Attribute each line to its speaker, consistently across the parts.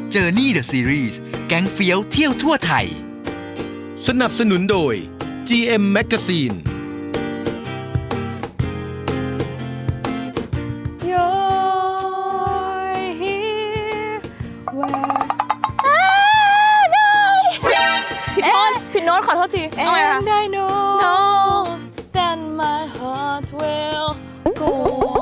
Speaker 1: Journey the Series แก๊งเฟี้ยวเที่ยวทั่วไทย
Speaker 2: สนับสนุนโดย GM Magazine
Speaker 3: ผิดโน้ตขอโทษทีเอาไงคะ
Speaker 4: And I know
Speaker 3: then my heart will go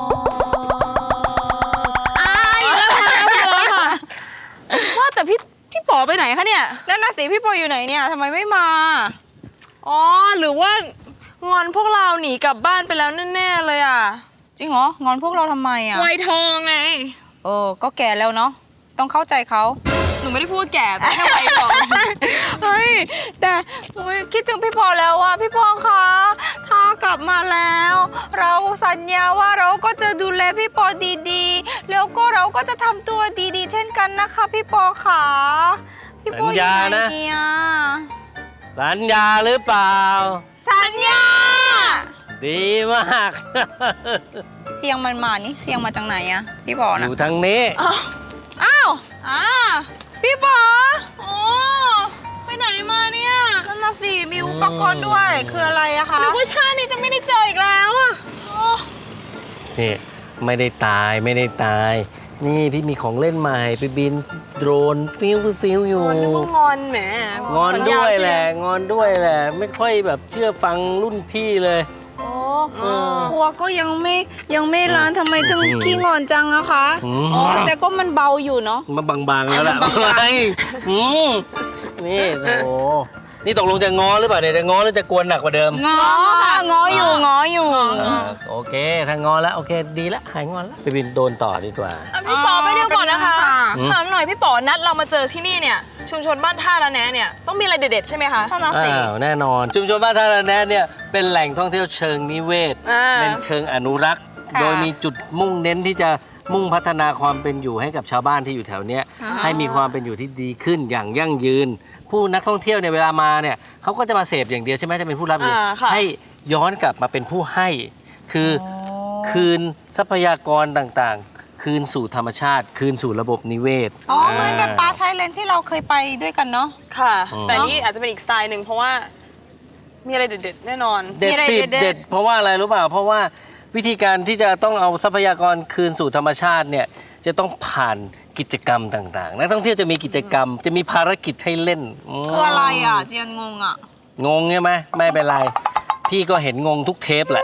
Speaker 3: on อีกแล้วค่ะว่าแต่พี่ป๋อไปไหนคะเนี่ย
Speaker 4: นั่นน่ะสิพี่ปออยู่ไหนเนี่ยทำไมไม่มา
Speaker 3: อ๋อหรือว่างอนพวกเราหนีกลับบ้านไปแล้วแน่ๆเลยอ่ะ
Speaker 4: จริงเหรองอนพวกเราทำไมอ่ะ
Speaker 3: วัยทองไง
Speaker 4: ก็แก่แล้วเนาะต้องเข้าใจเขา
Speaker 3: หนูไม่ได้พูดแก่แต่แค่วัยทอง
Speaker 4: เฮ้ยแต่คิดถึงพี่ปอแล้วอ่ะพี่ปอคะถ้ากลับมาแล้ว เราสัญญาว่าเราก็จะดูแลพี่ปอดีๆแล้วก็เราก็จะทำตัวดีๆเช่นกันนะคะพี่ปอค่ะพี่ปออยู่ไหนเนี่ย
Speaker 5: สัญญาหรือเปล่า
Speaker 4: สัญญา
Speaker 5: ดีมาก
Speaker 4: เสียงมันมานี่เสียงมาจากไหนอะพี่ปอ
Speaker 5: อ
Speaker 4: นะ
Speaker 5: ยู่ทางนี้
Speaker 4: อ้าว พี่ปอ
Speaker 3: อ๋อไปไหนมาเนี่ย
Speaker 4: นั่นน่ะสิมีอุปกรณ์ด้วยคืออะไรอะคะ
Speaker 3: หรือว่าชาตินี้จะไม่ได้เจออีกแล้วอะ
Speaker 5: นี่ไม่ได้ตายไม่ได้ตาย นี่พี่มีของเล่นใหม่ไปบินโดรนฟิวอยู่
Speaker 3: นึกว่างอนแหม
Speaker 5: งอนด้วยแหละงอนด้วยแหละ ไม่ค่อยแบบเชื่อฟังรุ่นพี่เลย
Speaker 4: โอ้หัวก็ยังไม่ร้านทำไมถึงขี้งอนจังอะคะ
Speaker 5: อืม
Speaker 4: แต่ก็มันเบาอยู่เนาะ
Speaker 5: มาบางๆแล้วล่ะ
Speaker 4: บางๆ
Speaker 5: ไนี่โอ้โหนี่ตกลงจะง้อหรือเปล่าเนี่ยจะง้อหรือจะกวนหนักกว่าเดิม
Speaker 4: งอค่ะงออยู่
Speaker 5: โอเคถ้างอแล้วโอเคดีแล้วหายงอนแล้วไปบินโดรนต่อดีกว่า
Speaker 3: พี่ป๋อไปเดี๋ยวก่อนนะคะ
Speaker 5: อืม
Speaker 3: ถามหน่อยพี่ป๋อนัดเรามาเจอที่นี่เนี่ยชุมชนบ้านท่าระแนะเนี่ยต้องมีอะไรเด็ดๆใช่ไหมคะ
Speaker 4: ท่านน่ะสิ
Speaker 5: อ้าวแน่นอนชุมชนบ้านท่าระแนะเนี่ยเป็นแหล่งท่องเที่ยวเชิงนิเวศ เป็นเชิงอนุรักษ์
Speaker 4: ค่ะ
Speaker 5: โดยมีจุดมุ่งเน้นที่จะมุ่งพัฒนาความเป็นอยู่ให้กับชาวบ้านที่อยู่แถวเนี้ยให้มีความเป็นอยู่ที่ดีขึ้นอย่างยั่งยืน ผู้นักท่องเที่ยวเนี่ยเวลามาเนี่ยเขาก็จะมาเสพอย่างเดียวใช่ไหมจะเป็นผู้รับอย่างเดียว
Speaker 3: ค่ะ
Speaker 5: ให้ย้อนกลับมาเป็นผู้ให้คือคืนทรัพยากรต่างๆ คืนสู่ธรรมชาติ คืนสู่ระบบนิเวศ
Speaker 4: เหมือนแบบปลาชายเลนที่เราเคยไปด้วยกันเนาะ
Speaker 3: ค่ะ แต่นี่อาจจะเป็นอีกสไตล์หนึ่งเพราะว่ามีอะไรเด็ดๆแน่นอน
Speaker 5: เด็ด
Speaker 4: มีอะไร
Speaker 5: สิ
Speaker 4: เด็ดๆ
Speaker 5: เด็ดเพราะว่าอะไรรู้เปล่าเพราะว่าวิธีการที่จะต้องเอาทรัพยากรคืนสู่ธรรมชาติเนี่ยจะต้องผ่านกิจกรรมต่างๆนักท่องเที่ยวจะมีกิจกรรม จะมีภารกิจให้เล่น
Speaker 4: คืออะไรอ่ะเจียนงงอ่ะ
Speaker 5: งงใช่ไหมไม่เป็นไร พี่ก็เห็นงงทุกเทปแหละ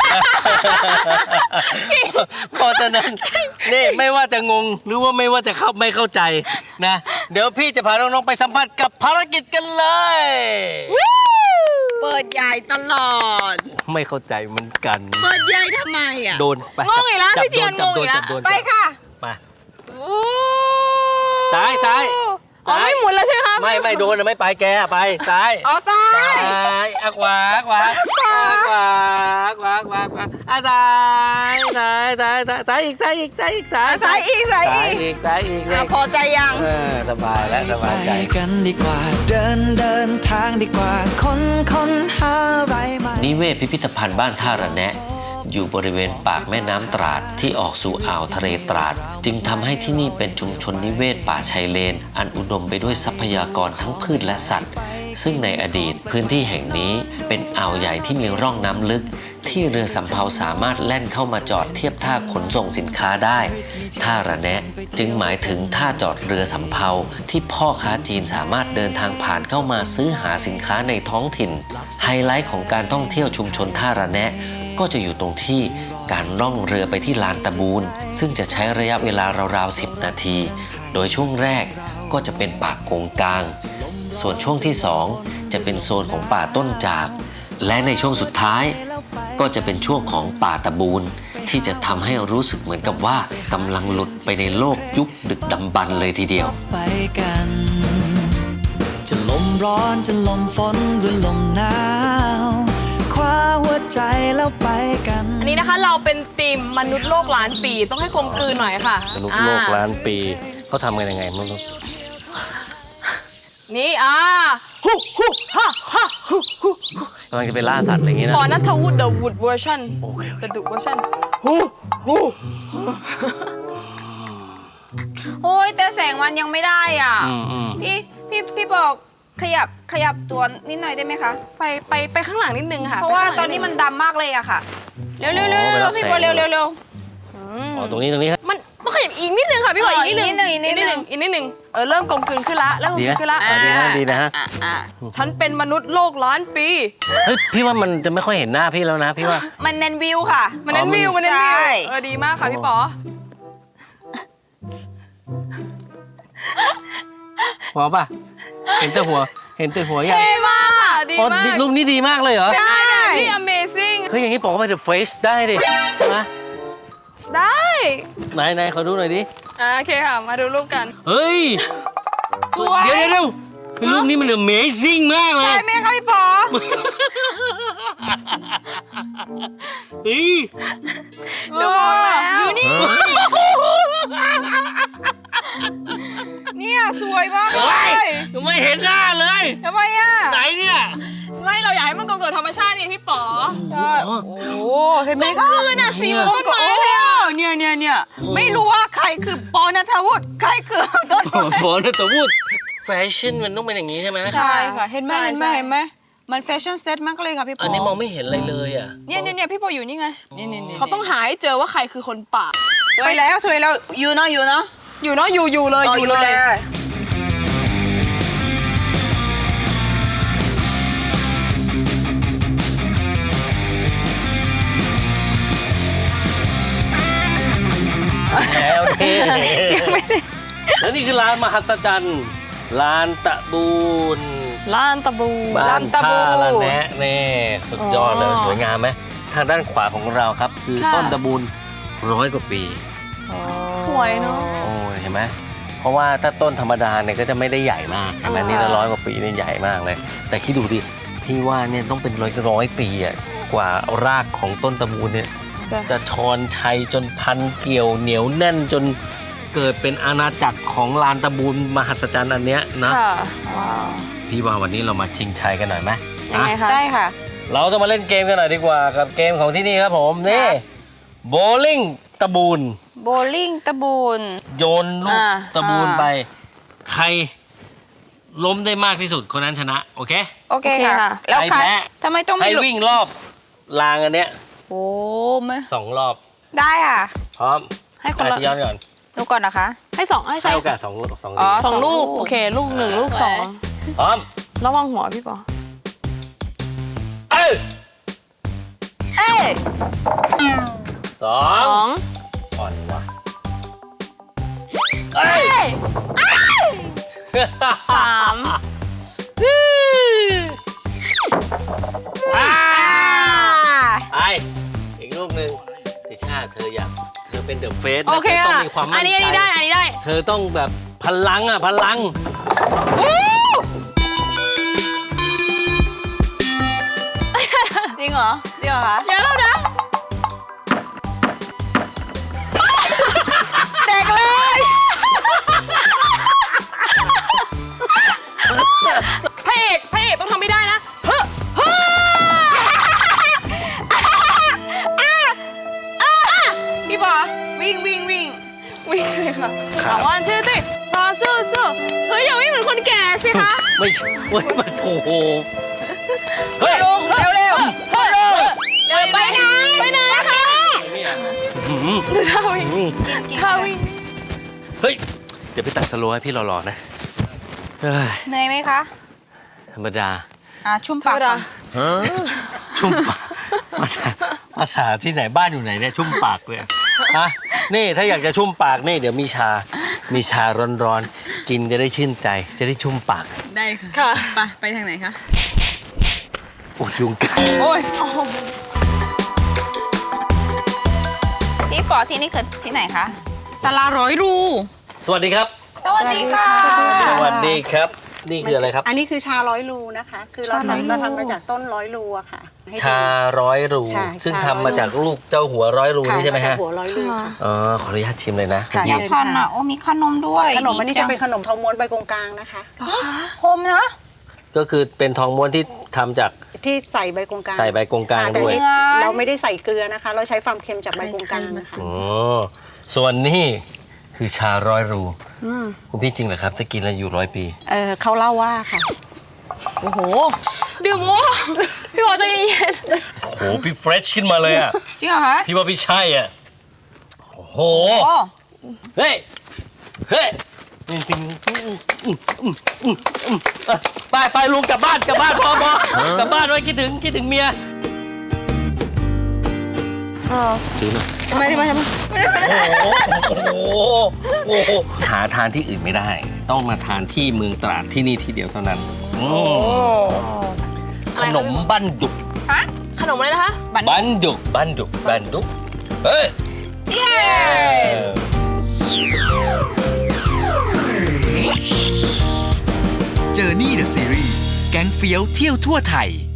Speaker 5: เพราะฉะนั้นนี่ไม่ว่าจะงงหรือว่าไม่ว่าจะไม่เข้าใจนะเดี๋ยวพี่จะพาน้องๆไปสัมผัสกับภารกิจกันเลย
Speaker 4: เปิดใหญ่ตลอด
Speaker 5: ไม่เข้าใจเหมือนกัน
Speaker 4: เปิดใหญ่ทำไมอ่ะ
Speaker 5: โดนไป
Speaker 3: งงอีกแล้ว
Speaker 5: จับ
Speaker 3: พี่เจียน
Speaker 5: จับ
Speaker 3: งงอีกแล้ว
Speaker 5: จับโดน
Speaker 4: ไปค่ะ
Speaker 5: มา
Speaker 4: อู้
Speaker 5: ซ้ายซ้าย
Speaker 3: อ๋อไม่หมุนแล้วใช่ไหมคะ
Speaker 5: ไม่โดนนะไม่ไปแกไปซ้าย
Speaker 4: อ๋อซ้าย
Speaker 5: ซ้ายขวาขวาขวาขวาขวาขวาขวาซ้ายซ้ายอีกซ้ายอีกซ้ายอีกซ้าย
Speaker 4: ซ้ายอีก
Speaker 5: ซ้ายอีกซ้ายอีกเลย
Speaker 4: พอใจยัง
Speaker 5: สบายแล้วสบายใจ
Speaker 1: ไปกันดีกว่าเดินทางดีกว่าค้นหาอะไรใหม่
Speaker 6: นิเวศพิพิธภัณฑ์บ้านท่าระแนะอยู่บริเวณปากแม่น้ำตราดที่ออกสู่อ่าวทะเลตราดจึงทำให้ที่นี่เป็นชุมชนนิเวศป่าชายเลนอันอุดมไปด้วยทรัพยากรทั้งพืชและสัตว์ ซึ่งในอดีตพื้นที่แห่งนี้เป็นอ่าวใหญ่ที่มีร่องน้ำลึกที่เรือสำเภาสามารถแล่นเข้ามาจอดเทียบท่าขนส่งสินค้าได้ท่าระแนะจึงหมายถึงท่าจอดเรือสำเภาที่พ่อค้าจีนสามารถเดินทางผ่านเข้ามาซื้อหาสินค้าในท้องถิ่นไฮไลท์ของการท่องเที่ยวชุมชนท่าระแนะก็จะอยู่ตรงที่การล่องเรือไปที่ลานตะบูนซึ่งจะใช้ระยะเวลาราวๆ10 นาทีโดยช่วงแรกก็จะเป็นป่าโกงกางส่วนช่วงที่2จะเป็นโซนของป่าต้นจากและในช่วงสุดท้ายก็จะเป็นช่วงของป่าตะบูนที่จะทำให้รู้สึกเหมือนกับว่ากำลังหลุดไปในโลกยุคดึกดำบรรพ์เลยทีเดียว
Speaker 1: ไปกันจะลมร้อนจะลมฝนหรือลมหนาวคว้าหัวใจแล้วไปกัน
Speaker 3: อันนี้นะคะเราเป็นทีมมนุษย์โลกล้านปีต้องให้กลมกลืนหน่อยค่ะ
Speaker 5: มนุษย์โลกล้านปีเขาทำกันยังไงมนุษย์
Speaker 3: นี่ฮูฮ่าก
Speaker 5: ำลังจะไปล่าสัตว์อะไรอย่างงี้นะ
Speaker 3: ปอนัทวุฒิ The Wood Version The Duke Version ฮู
Speaker 4: โอ้ยแต่แสงมันยังไม่ได้อ่ะ
Speaker 5: อืม
Speaker 4: พี่บอกขยับตัวนิดหน่อยได้ไหมคะ
Speaker 3: ไปข้างหลังนิดนึงค่ะ
Speaker 4: เพราะว่า
Speaker 3: ไปข้งห
Speaker 4: ต
Speaker 3: ลั
Speaker 4: อง นนี้
Speaker 3: ดง
Speaker 4: มันดำมากเลยอะค่ะ เร็ว
Speaker 5: อ๋อ
Speaker 4: ๆพี่บอล
Speaker 5: เวลาแสง
Speaker 4: เร็ว
Speaker 5: อ๋อตรงนี้ครับ
Speaker 3: มันต้องขยับอีกนิดนึงค่ะพี่บอย
Speaker 4: อ๋อ
Speaker 3: อีกนิดนึง
Speaker 4: อีกนิดนึง
Speaker 3: อีกนิดนึงเริ่มกลมกลืนขึ้นละเริ่มกลม
Speaker 5: ดี
Speaker 3: กลื
Speaker 5: นะ
Speaker 3: นขึ้นละ
Speaker 5: ดีนะ
Speaker 4: อ่ะ
Speaker 3: ฉันเป็นมนุษย์โลกล้านปี
Speaker 5: เฮ้ยพี่ว่ามันจะไม่ค่อยเห็นหน้าพี่แล้วนะพี่ว่า
Speaker 4: มันเน้นวิวค่ะ
Speaker 3: มันเน้นวิวมันเน้นวิ
Speaker 4: ใช่
Speaker 3: วดีมากค่ะพี่ป๋อ
Speaker 5: พอป่ะเห็นแต่หัวยัง
Speaker 3: ดีมากค่ะดี
Speaker 5: อ๋อ
Speaker 3: มาก
Speaker 5: รูปนี้ดีมากเลยเหรอ
Speaker 3: ใช่พี่ amazing
Speaker 5: เฮ้ยอย่างนี้บอกว่าไป The Face ได้ดินะ
Speaker 3: ได้
Speaker 5: ไหนขอดูหน่อยดิ
Speaker 3: โอเคค่ะมาดูรูปกัน
Speaker 5: เฮ้ย
Speaker 4: สวย
Speaker 5: เดี๋ยวรูปนี้มัน Amazing มากเล
Speaker 4: ใช่
Speaker 5: ย
Speaker 4: ไหมคะพี่ปอ
Speaker 5: เฮ้ย
Speaker 4: ดูแล้วเนี่ยสวยมากเล
Speaker 5: เฮ้ย
Speaker 4: ย
Speaker 5: ไม่เห็นหน้าเลย
Speaker 4: ทำไมอะ
Speaker 5: ไหนเนี่ย
Speaker 3: ไม่เราอยากให้มันกลมกลืนธรรมชาตินี่พี่ป๋อ
Speaker 4: ใช่โอ้เห็นไหมคะ
Speaker 3: คืนน่ะสีเหมือนต้นไม้เลยอ่ะ
Speaker 4: เนี่ยไม่รู้ว่าใครคือปอนัทวุฒิใครคือต้นไม้
Speaker 5: บอลแต่พูดแฟชั่นมันต้องเป็นอย่างนี้ใช่ไหม
Speaker 4: ใช่ค่ะเห็นไหม
Speaker 3: ใช่
Speaker 4: มันแฟชั่นเซ็ตมากเลยค่ะพี่ปอ
Speaker 5: อันนี้มองไม่เห็นอะไรเลยอ่ะ
Speaker 4: เนี่ยพี่ปออยู่นี่ไงนี่
Speaker 3: เขาต้องหาให้เจอว่าใครคือคนป่า
Speaker 4: สวยแล้วอยู่เนาะ
Speaker 3: อยู่เนาะอยู่เลยอยู่เลย
Speaker 5: แล้วแล้วนี่คือร้านมหัศจรรย์ร้านตะบูน
Speaker 3: ล้านตะบู
Speaker 5: บ้านท่าละแนะนี่สุดยอดเลย
Speaker 3: อ๋อ
Speaker 5: สวยงามไหมทางด้านขวาของเราครับ คือ
Speaker 3: ค่ะ
Speaker 5: ต้นตะบูน100 กว่าปี
Speaker 3: สวยเนาะ
Speaker 5: โอ้ยเห็นไหมเพราะว่าถ้าต้นธรรมดาเนี่ยก็จะไม่ได้ใหญ่มากแต่นี่ละ100 กว่าปีนี่ใหญ่มากเลย แต่คิดดูดิพี่ว่าเนี่ยต้องเป็นร้อยปีอ่ะกว่ารากของต้นตะบูนเนี่ยจะชอนชัยจนพันเกี่ยวเหนียวแน่นจนเกิดเป็นอาณาจักรของลานตะบูนมหัศจรรย์อันเนี้ยนะ
Speaker 3: ค่ะ
Speaker 5: พี่ว่าวันนี้เรามาชิงชัยกันหน่อยไหม
Speaker 3: ยังไงคะ
Speaker 4: ได้ค่ะ
Speaker 5: เราจะมาเล่นเกมกันหน่อยดีกว่ากับเกมของที่นี่ครับผมนี่โบลิ่งตะบูน
Speaker 4: โบลิ่งตะบูน
Speaker 5: โยนลูกตะบูนไป ใครล้มได้มากที่สุดคนนั้นชนะ โอเค
Speaker 4: โอเคค่ะ แล้ว
Speaker 5: ใคร
Speaker 4: ค่ะ
Speaker 5: แพ้
Speaker 4: ทำไมต้อง
Speaker 5: ให้
Speaker 4: ไม่หลุด
Speaker 5: วิ่งรอบรางอันเนี้ย
Speaker 4: โอ้ไม่
Speaker 5: 2 รอบ
Speaker 4: ได้ค่ะ
Speaker 5: พร้อม
Speaker 3: ให้คนละ
Speaker 5: ย้อนก่อน
Speaker 4: ดูก่อนนะคะ
Speaker 3: ให้ใช้
Speaker 5: ให้โอกาส2 ลูก
Speaker 4: อ๋อ
Speaker 3: สองลูกโอเคลูกหนึ่งลูกสอง
Speaker 5: พร้อม
Speaker 3: ระวังหัวพี่ป๋อ
Speaker 5: เอ้ย
Speaker 4: เอ้ย
Speaker 5: สอ
Speaker 3: สอง ง
Speaker 5: อ่อนวะเอ้ย
Speaker 3: สาม
Speaker 5: อ่า
Speaker 4: อ่า
Speaker 5: ไปอีกลูกหนึ่งติชาเธอเป็นเดอะเฟส
Speaker 3: โอเค
Speaker 5: ต้อ
Speaker 3: อ่ะ
Speaker 5: งมีความมั่
Speaker 3: อั
Speaker 5: น
Speaker 3: นนี้
Speaker 5: ใจ
Speaker 3: ได้อันนี้ได้
Speaker 5: เธอต้องแบบพลังพลัง
Speaker 4: จริงเหรอคะ
Speaker 3: เดี๋ยวเรานะ
Speaker 4: แตกเลย
Speaker 3: พระเอกต้องทำไม่ได้นะเฮ้อเฮ้อ
Speaker 4: พี่บอวิ่ง
Speaker 3: วิ่งเลยค่ะวันชื่อติพอสู้เฮ้ยอย่าวิ่งเหมือนคนแก่สิคะ
Speaker 5: ไม่ใช่เว้ยมันโอ้โหเฮ้ย
Speaker 4: ลงเร็ว
Speaker 3: เร็วไปไหนคะ
Speaker 5: หืม
Speaker 3: ท่าวิ่ง
Speaker 4: กิน
Speaker 3: ท่าวิ่ง
Speaker 5: เฮ้ยเดี๋ยวไปตัดสโลว์ให้พี่รอๆนะเฮ้ย
Speaker 4: เหนื่อยไหมคะ
Speaker 5: ธรรมดา
Speaker 4: ชุ่มปากก่อน
Speaker 5: ชุ่มปากภาษาที่ไหนบ้านอยู่ไหนเนี่ยชุ่มปากเลยฮะนี่ถ้าอยากจะชุ่มปากนี่เดี๋ยวมีชาร้อนๆกินจะได้ชื่นใจจะได้ชุ่มปาก
Speaker 4: ได้ค่ะ
Speaker 3: ค่ะ
Speaker 4: ไปทางไหนคะ
Speaker 5: โอ้ยยุงกัด
Speaker 4: โอ้ยพี่ปอที่นี่คือที่ไหนคะศาลาร้อยรู
Speaker 5: สวัสดีครับ
Speaker 4: สวัสดีค่ะ
Speaker 5: สวัสดีครับ นี่คืออะไรครับ
Speaker 7: อันนี้คือชาร้อยรูนะคะ คือเราทำมาจากต้นร้อยรูอะค่ะให้ดู
Speaker 5: ชาร้อยรู
Speaker 7: ใช่
Speaker 5: ซึ่ง
Speaker 7: ชา
Speaker 5: ทำมาจากลูกเจ้าหัวร้อยรู
Speaker 7: ค่ะ
Speaker 5: นี่ใช่ไหม
Speaker 7: าจา
Speaker 5: ฮะ
Speaker 7: กหัวร้อยรูค่ะ
Speaker 5: อ๋อขออนุญาตชิมเลยนะ
Speaker 7: ค่ะ
Speaker 5: พี่
Speaker 4: อยากทานอ่ะโอ้มีขนมด้วย
Speaker 7: ขนมอันนี้
Speaker 4: ดี
Speaker 7: จะ
Speaker 4: ง
Speaker 7: เป็นขนมทองม้วนใบกงกลางนะคะ
Speaker 4: โฮมนะ
Speaker 5: ก็คือเป็นทองม้วนที่ทำจาก
Speaker 7: ที่ใส่ใบกงกลาง
Speaker 5: ใส่ใบกงกลาง
Speaker 7: แต่
Speaker 5: ด้วย
Speaker 7: นี่เราไม่ได้ใส่เกลือนะคะ เราใช้ความเค็มจากใบกงกลางนะคะ
Speaker 5: อ๋อส่วนนี้คคือชาร้อยรูคุณพี่จริงเหรอครับจะกินแล้วอยู่100 ปี
Speaker 7: เขาเล่าว่าค่ะ
Speaker 3: โอ้โห ดื่มโอ้พี่ปอใจเย็น
Speaker 5: โอ้โหพี่เฟรชขึ้นมาเลยอ่ะ
Speaker 4: จริงเหรอคะ
Speaker 5: พี่ว่าพี่ใช่อ่ะโอ้โห
Speaker 4: โอ้
Speaker 5: เฮ้ยเฮ้ยไปลุงกลับบ้านพอกลับบ้านไว้คิดถึงเมียถือหน่อย
Speaker 4: ทำไม
Speaker 5: โอ้โหหาทานที่อื่นไม่ได้ ต้องมาทานที่เมืองตราดที่นี่ที่เดียวเท่านั้นขนมบั้นดุก
Speaker 3: ขนมอะไรนะคะ
Speaker 5: บั้นดุกเฮ้ย
Speaker 2: Journey the Series แก๊งเฟี้ยวเที่ยวทั่วไทย